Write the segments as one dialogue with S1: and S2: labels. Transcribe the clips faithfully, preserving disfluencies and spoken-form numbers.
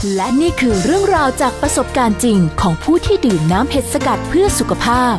S1: และนี่คือเรื่องราวจากประสบการณ์จริงของผู้ที่ดื่มน้ำเห็ดสกัดเพื่อสุขภาพ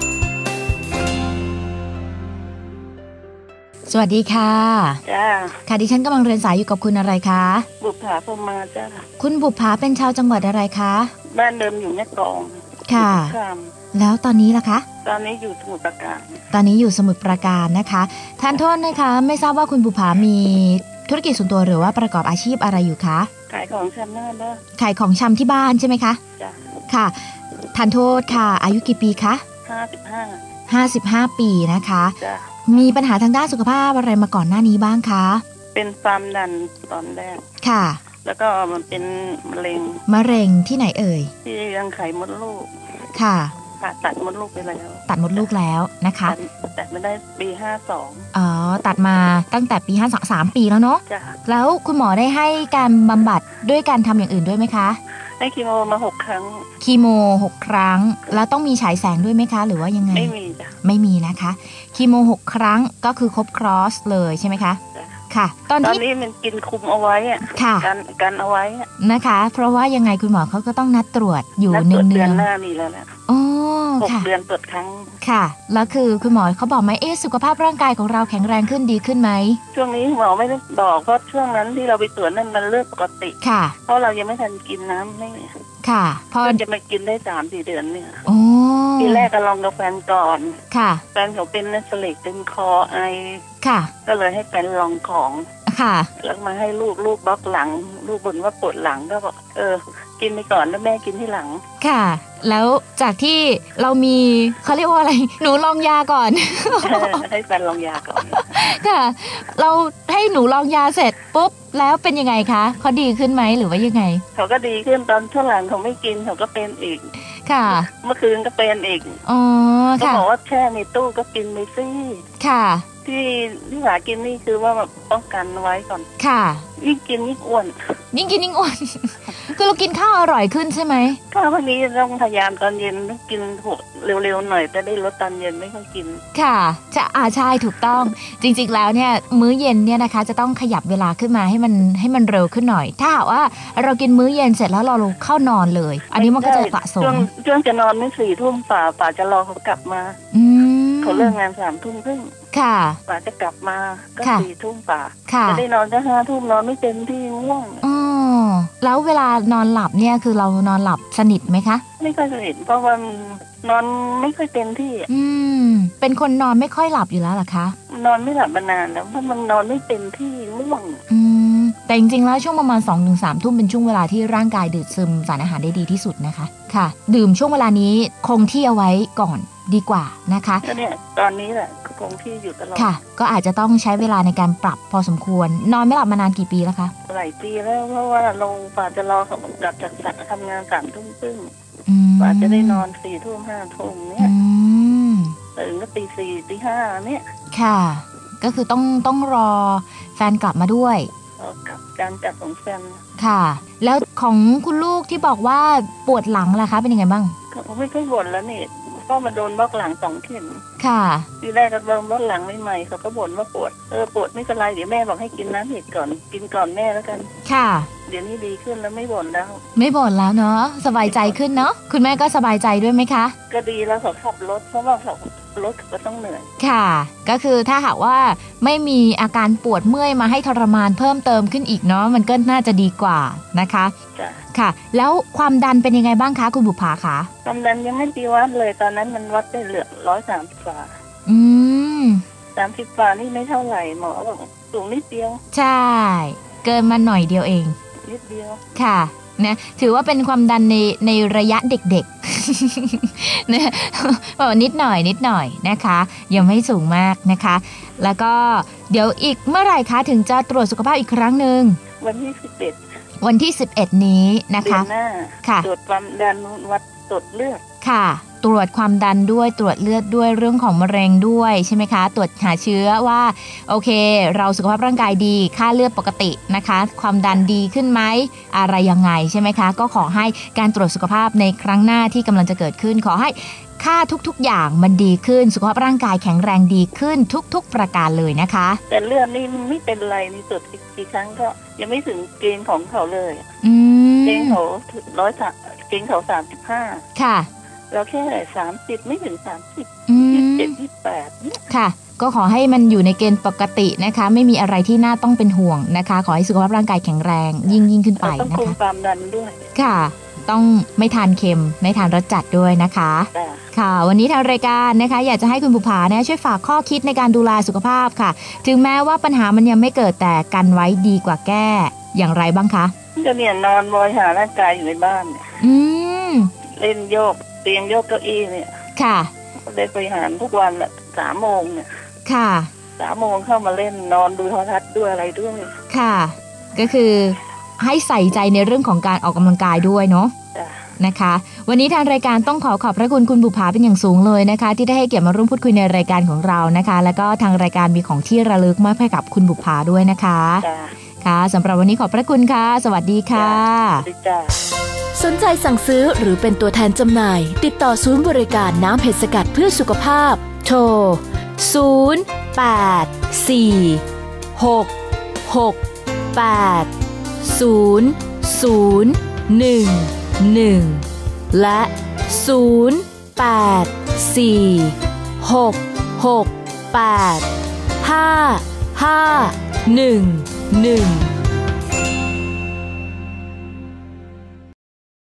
S2: สวัสดีค่ะ
S3: จ้า
S2: ค่ะดิฉันกำลังเรียนสายอยู่กับคุณอะไรคะ
S3: บุปผาพรหมาจ้า
S2: คุณบุปผาเป็นชาวจังหวัดอะไรคะ
S3: บ้านเดิมอยู่แม่กลอง
S2: ค่ะแล้วตอนนี้ล่ะคะ
S3: ตอนนี้อยู่สมุทรปราการ
S2: ตอนนี้อยู่สมุทรปราการนะคะทานโทษนะคะไม่ทราบว่าคุณบุปผามีธุรกิจส่วนตัวหรือว่าประกอบอาชีพอะไรอยู่คะ
S3: ขายของชำนั่นนะ
S2: ขายของชำที่บ้านใช่ไหมคะ
S3: จ้ะ
S2: ค่ะทานโทษค่ะอายุกี่ปีคะ
S3: ห้าสิบห้า
S2: ห้าสิบห้าปีนะคะ
S3: จ้ะ
S2: มีปัญหาทางด้านสุขภาพอะไรมาก่อนหน้านี้บ้างคะ
S3: เป็นความดันตอนแรก
S2: ค่ะ
S3: แล้วก็มันเป็นมะเร็ง
S2: มะเร็งที่ไหนเอ่ย
S3: ที่รังไข่มดลูก
S2: ค่ะ
S3: ผ่าตัดมดลูกไปแล้ว
S2: ตัดมดลูกแล้วนะคะ
S3: ตัดมาได้ปีห้าสอง
S2: อ๋อตัดมาตั้งแต่ปีห้าสามปีแล้วเนาะ
S3: จ้ะ
S2: แล้วคุณหมอได้ให้การบำบัดด้วยการทำอย่างอื่นด้วยไหมคะ
S3: ให้คีโมมาหกครั้ง
S2: คีโมหกครั้งแล้วต้องมีฉายแสงด้วยไหมคะหรือว่ายังไง
S3: ไม่มีจ้ะ
S2: ไม่มีนะคะคีโมหกครั้งก็คือครบครอสเลยใช่ไหมคะค่ะ
S3: ตอนนี้มันกินคุมเอาไว้อะกันกันเอาไว้
S2: นะคะเพราะว่ายังไงคุณหมอเขาก็ต้องนัดตรวจอยู่เนืองๆ
S3: เดือนหน้านี่แล้วแหละ
S2: อ๋อ
S3: หกเดือนตรวจครั้ง
S2: ค่ะแล้วคือคุณหมอเขาบอกไหมเอ๊ะสุขภาพร่างกายของเราแข็งแรงขึ้นดีขึ้นไหม
S3: ช่วงนี้หมอไม่ได้บอกเพราะช่วงนั้นที่เราไปตรวจนั่นมันเลือดปกติ
S2: ค่ะ
S3: เพราะเรายังไม่ทันกินน้ำไม่
S2: ค่ะพอ
S3: จะมากินได้สามสี่เดือนเนี่ย
S2: โอ้
S3: ทีแรกก็ลองกับแฟนก่อน
S2: ค่ะ
S3: แฟนเขาเป็นนัสเลกเป็นคอไอ
S2: ค่ะ
S3: ก็เลยให้แฟนลองของ
S2: ค่ะ
S3: แล้วมาให้ลูกลูกบล็อกหลังลูกบ่นว่าปวดหลังก็บอกเออกินไปก่อนแล้วแม่กินที่หลัง
S2: ค่ะแล้วจากที่เรามีเขาเรียกว่าอะไรหนูลองยาก่อน
S3: ให้แฟนลองยาก่อน
S2: ค่ะเราให้หนูลองยาเสร็จปุ๊บแล้วเป็นยังไงคะเขาดีขึ้นไหมหรือว่ายังไง
S3: เขาก็ดีขึ้นตอนช่วงหลังเขาไม่กินเขาก็เป็นอีก
S2: ค่ะ
S3: เมื่อคืนก็เป็นอีก
S2: อ๋อค่ะ
S3: เขาบอกว่าแช่ในตู้ก็กินไปสิ
S2: ค่ะ
S3: ที่ที่หากินนี่คือว่าแบบป้องกันไว้ก่อน
S2: ค่ะ
S3: ยิ่งกินยิ่งอ้วน
S2: ยิ่งกินยิ่งอ้วนคือเรากินข้าวอร่อยขึ้นใช่ไหม
S3: ข้าววันนี้ต้องพยายามตอนเย็นต้องกินเร็วๆหน่อยแต่ได้ลดตอนเย็นไม่ค่อยกิน
S2: ค่ะจะอาใช่ถูกต้องจริงๆแล้วเนี่ยมื้อเย็นเนี่ยนะคะจะต้องขยับเวลาขึ้นมาให้มันให้มันเร็วขึ้นหน่อยถ้าหากว่าเรากินมื้อเย็นเสร็จแล้วเราเข้านอนเลยอันนี้มันก็จะสะสม
S3: ช่วงช่วงจะนอนไม่สี่ทุ่มป่าป่าจะรอเขากลับมา
S2: อืม
S3: เขาเลิกงานสามทุ่มครึ่ง
S2: ค่ะ
S3: ป่าจะกลับมาก็สี่ทุ่มป่า
S2: จะ
S3: ได้นอนแค่ห้าทุ่มนอนไม่เต็มที่ง่วง
S2: อ๋อแล้วเวลานอนหลับเนี่ยคือเรานอนหลับสนิทไหมคะ
S3: ไม่ค่อยสนิทเพราะว่านอนไม่ค่อยเต็มที่
S2: อืมเป็นคนนอนไม่ค่อยหลับอยู่แล้วหรอคะ
S3: นอนไม่หลับมานานแล้วเพราะมันนอนไม่เต็มที่ง่วง
S2: อืมแต่จริงๆแล้วช่วงประมาณ สองถึงสาม ทุ่มเป็นช่วงเวลาที่ร่างกายดูดซึมสารอาหารได้ดีที่สุดนะคะค่ะดื่มช่วงเวลานี้คงที่เอาไว้ก่อนดีกว่านะคะ
S3: ก็เนี่ยตอนนี้แหละคงที่อยู่ตลอด
S2: ค่ะก็อาจจะต้องใช้เวลาในการปรับพอสมควรนอนไม่หลับมานานกี่ปีแล้วคะ
S3: หลายปีแล้วเพราะว่าลงป่าจะรอเขากลับจากทำงานสามทุ่มครึ่งป่าจะได้นอนสี่ทุ่มห้าทุ่มเนี่ยตื่นก็ตีสี่ตีห้าเนี่ย
S2: ค่ะก็คือต้องต้องรอแฟนกลับมาด้วย
S3: กับการจัดของแฟน
S2: ค่ะแล้วของคุณลูกที่บอกว่าปวดหลังล่ะคะเป็นยังไงบ้าง
S3: เขาไม่ค่อยบ่นแล้วนี่ก็มาโดนบล็อกหลังสองเข็ม
S2: ค่ะ
S3: ทีแรกก็โดนบล็อกหลังใหม่ๆเขาก็บ่นว่าปวดเออปวดไม่เป็นไรเดี๋ยวแม่บอกให้กินน้ำเห็ดก่อนกินก่อนแม่แล้วกัน
S2: ค่ะ
S3: เดี๋ยวนี้ดีขึ้นแล้วไม่บ่นแล้ว
S2: ไม่บ่นแล้วเนาะสบายใจขึ้นเนาะคุณแม่ก็สบายใจด้วยไหมคะ
S3: ก็ดีแล้วเขาขับรถเพราะว่าเขารถก็ต้องเหนื่อย
S2: ค่ะก็คือถ้าหากว่าไม่มีอาการปวดเมื่อยมาให้ทรมานเพิ่มเติมขึ้นอีกเนาะมันก็น่าจะดีกว่านะคะ
S3: จ้ะ
S2: ค่ะแล้วความดันเป็นยังไงบ้างคะคุณบุภาคะ
S3: ความดันยังไม่ดีวัดเลยตอนนั้นมันวัดได้เหลือร้อยสามสิบกว่า
S2: อืม
S3: สามสิบกว่านี่ไม่เท่าไหร่หมอบอกสูงนิดเดียว
S2: ใช่เกินมาหน่อยเดียวเอง
S3: นิดเดียว
S2: ค่ะนะถือว่าเป็นความดันในในระยะเด็กๆนะบอกนิดหน่อยนิดหน่อยนะคะยังไม่สูงมากนะคะแล้วก็เดี๋ยวอีกเมื่อไหร่คะถึงจะตรวจสุขภาพอีกครั้งนึง
S3: วันที่สิบเอ็ด
S2: วันที่สิบเอ็ดนี้นะคะ
S3: เดือนหน้าค่ะตรวจความดันวัดตรวจเลือด
S2: ค่ะตรวจความดันด้วยตรวจเลือดด้วยเรื่องของมะเร็งด้วยใช่ไหมคะตรวจหาเชื้อว่าโอเคเราสุขภาพร่างกายดีค่าเลือดปกตินะคะความดันดีขึ้นไหมอะไรยังไงใช่ไหมคะก็ขอให้การตรวจสุขภาพในครั้งหน้าที่กำลังจะเกิดขึ้นขอให้ค่าทุกๆอย่างมันดีขึ้นสุขภาพร่างกายแข็งแรงดีขึ้นทุกๆประการเลยนะคะ
S3: แต่เลือดนี่ไม่เป็นไรนี่ตรวจกี่ครั้งก็ยังไม่ถึงเกณฑ์ของเขาเลย
S2: อืม
S3: เกงเขาร้อยสามเกงเขาสามสิบห้า
S2: ค่ะ
S3: เราแค่สามสิบไม่ถึงสามสิบยี่สิบเจ็ดยี่สิบแปดเนี่ย
S2: ค่ะก็ขอให้มันอยู่ในเกณฑ์ปกตินะคะไม่มีอะไรที่น่าต้องเป็นห่วงนะคะขอให้สุขภาพร่างกายแข็งแรงยิ่งยิ่งขึ้นไปนะคะต้องคุม
S3: ความดันด้วย
S2: ค่ะต้องไม่ทานเค็มไม่ทานรสจัดด้วยนะคะค่ะวันนี้ทางรายการนะคะอยากจะให้คุณบุภาเนี่ยช่วยฝากข้อคิดในการดูแลสุขภาพค่ะถึงแม้ว่าปัญหามันยังไม่เกิดแต่กันไว้ดีกว่าแก้อย่างไรบ้างคะ
S3: จะเนี่ยนอนบริหารร่างกายอยู่ในบ้านเนี่ย
S2: อืม
S3: เล่นโยกเตียงโยกเก้าอี้เนี่ย
S2: ค่ะ
S3: เล่นบริหารทุกวันอะสามโมงเนี่ย
S2: ค่ะ
S3: สามโมงเข้ามาเล่นนอนดูโทรทัศน์ด้วยอะไรด้วย
S2: ค่ะก็คือให้ใส่ใจในเรื่องของการออกกำลังกายด้วยเนาะนะคะวันนี้ทางรายการต้องขอขอบพระคุณคุณบุภาเป็นอย่างสูงเลยนะคะที่ได้ให้เกียรติมาร่วมพูดคุยในรายการของเรานะคะแล้วก็ทางรายการมีของที่ระลึกมอบให้กับคุณบุภาด้วยนะคะค่ะสำหรับวันนี้ขอบพระคุณค่ะสวัสดีค่ะ
S1: สนใจสั่งซื้อหรือเป็นตัวแทนจำหน่ายติดต่อศูนย์บริการน้ำเห็ดสกัดเพื่อสุขภาพโทรศูนย์ แปด สี่ หก หก แปด ศูนย์ ศูนย์ หนึ่ง หนึ่งและศูนย์ แปด สี่ หก หก แปด ห้า ห้า หนึ่ง หนึ่ง